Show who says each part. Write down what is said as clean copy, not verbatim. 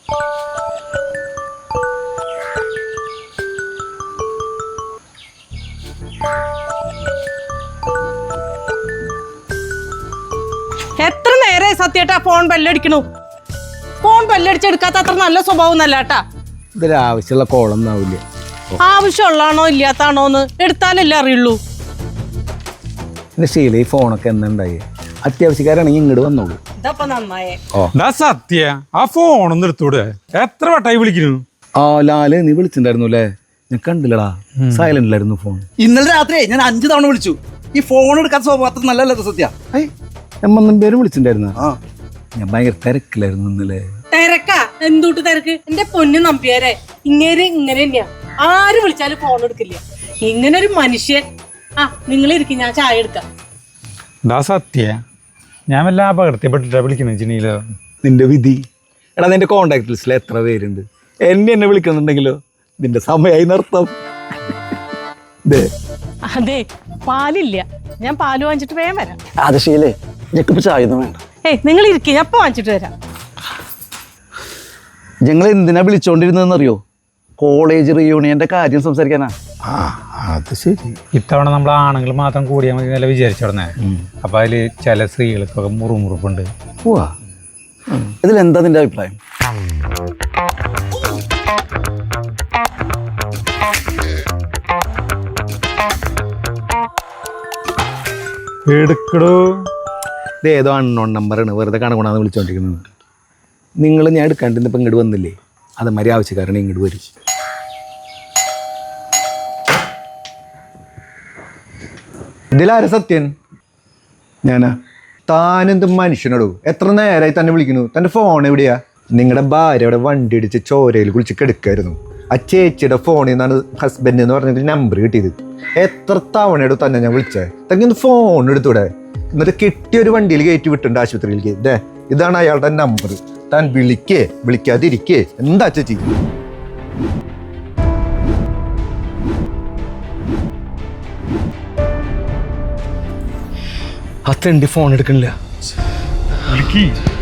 Speaker 1: എത്ര നേരെ സത്യേട്ടാ phone ബെല്ലടിക്കണു? Phone ബെല്ലടിച്ചെടുക്കാത്ത അത്ര നല്ല സ്വഭാവം അല്ല കേട്ടാ.
Speaker 2: ഇതൊരാവശ്യമുള്ള കോളൊന്നും ആവില്ല.
Speaker 1: ആവശ്യമുള്ളതാണോ ഇല്ലാത്താണോന്ന് എടുത്താലല്ലേ അറിയുള്ളൂ.
Speaker 2: പിന്നെ ശീല ഈ ഫോണൊക്കെ എന്തുണ്ടായി? അത്യാവശ്യക്കാരാണെങ്കിൽ ഇങ്ങോട്ട് വന്നോളൂ.
Speaker 1: ഇതപ്പൊ നന്നായേ.
Speaker 3: സത്യ ആ ഫോണൊന്നും എടുത്തൂടെ? എത്ര വട്ടായി വിളിക്കുന്നു?
Speaker 2: ആ ലാല്, നീ വിളിച്ചിട്ടുണ്ടായിരുന്നു അല്ലേ? ഞാൻ കണ്ടില്ലടാ, സൈലന്റിലായിരുന്നു ഫോൺ.
Speaker 4: ഇന്നലെ രാത്രി ഞാൻ 5 തവണ വിളിച്ചു. ഈ ഫോൺ എടുക്കാത്ത സ്വഭാവത്തിൽ നല്ലല്ലോ സത്യ.
Speaker 2: എമ്മൊന്നും പേര് വിളിച്ചിട്ടുണ്ടായിരുന്നു. ഞാൻ ഭയങ്കര തിരക്കിലായിരുന്നു ഇന്നലെ.
Speaker 1: തിരക്കാ? എന്തുട്ട് തിരക്ക്? എന്റെ പൊന്നു നമ്പിയാരെ, ഇങ്ങനെ തന്നെയാ. ആര് വിളിച്ചാലും ഫോൺ എടുക്കില്ല. ഇങ്ങനെ ഒരു മനുഷ്യൻ. ആ നിങ്ങൾ ഇരിക്കും, ഞാൻ ചായ എടുക്കാം.
Speaker 3: സത്യ ഞാൻ വല്ല അപകടത്തിൽപ്പെട്ടിട്ടാ വിളിക്കുന്ന.
Speaker 2: നിന്റെ വിധി. എടാ, നിന്റെ കോണ്ടാക്ട് ലിസ്റ്റിൽ എത്ര പേരുണ്ട്? എന്നെ വിളിക്കുന്നുണ്ടെങ്കിലോ നിന്റെ സമയമായി നർത്തം.
Speaker 1: അതെ, പാലില്ല. ഞാൻ പാല് വാങ്ങിച്ചിട്ട് വേഗം വരാം.
Speaker 4: അത് ശീലേ, ഞെക്കിപ്പോ ചായ ഒന്നും വേണ്ട.
Speaker 1: നിങ്ങൾ ഇരിക്കും, ഞാൻ ഇപ്പൊ വാങ്ങിച്ചിട്ട് വരാം.
Speaker 4: ഞങ്ങൾ എന്തിനാ വിളിച്ചോണ്ടിരുന്നറിയോ? കോളേജ് റിയൂണിയന്റെ കാര്യം സംസാരിക്കാനാ.
Speaker 2: അത് ശരി.
Speaker 3: ഇത്തവണ നമ്മൾ ആണുങ്ങൾ മാത്രം കൂടിയാൽ മതി എന്നല്ല വിചാരിച്ചോടനെ. അപ്പൊ അതില് ചില സ്ത്രീകൾക്കൊക്കെ മുറുമുറുപ്പുണ്ട്.
Speaker 4: ഇതിലെന്താ നിന്റെ അഭിപ്രായം?
Speaker 3: എടുക്കടോ.
Speaker 2: ഇത് ഏതോ അൺനോൺ നമ്പറാണ്, വെറുതെ കണക്കുണാന്ന് വിളിച്ചോണ്ടിരിക്കുന്നത്. നിങ്ങൾ ഞാൻ എടുക്കാണ്ട് ഇപ്പം ഇങ്ങോട്ട് വന്നില്ലേ, അതേമാതിരി ആവശ്യക്കാരാണ് ഇങ്ങോട്ട് വരും. ഇതിലാര സത്യൻ? ഞാനാ. താനെന്ത് മനുഷ്യനോടോ? എത്ര നേരമായി തന്നെ വിളിക്കുന്നു? തൻ്റെ ഫോൺ എവിടെയാ? നിങ്ങളുടെ ഭാര്യ അവിടെ വണ്ടി ഇടിച്ച് ചോരയിൽ കുളിച്ച് കിടക്കായിരുന്നു. ആ ചേച്ചിയുടെ ഫോണിൽ നിന്നാണ് ഹസ്ബൻഡ് എന്ന് പറഞ്ഞിട്ട് നമ്പർ കിട്ടിയത്. എത്ര തവണയോട് തന്നെ ഞാൻ വിളിച്ചേ. തനിക്കൊന്ന് ഫോൺ എടുത്തൂടെ? എന്നിട്ട് കിട്ടിയൊരു വണ്ടിയിൽ കയറ്റി വിട്ടുണ്ട് ആശുപത്രിയിലേക്ക്. ഇതാണ് അയാളുടെ നമ്പർ. താൻ വിളിക്കാതിരിക്കേ. എന്താ ചേച്ചി? ആ തെണ്ടി ഫോൺ എടുക്കണില്ല.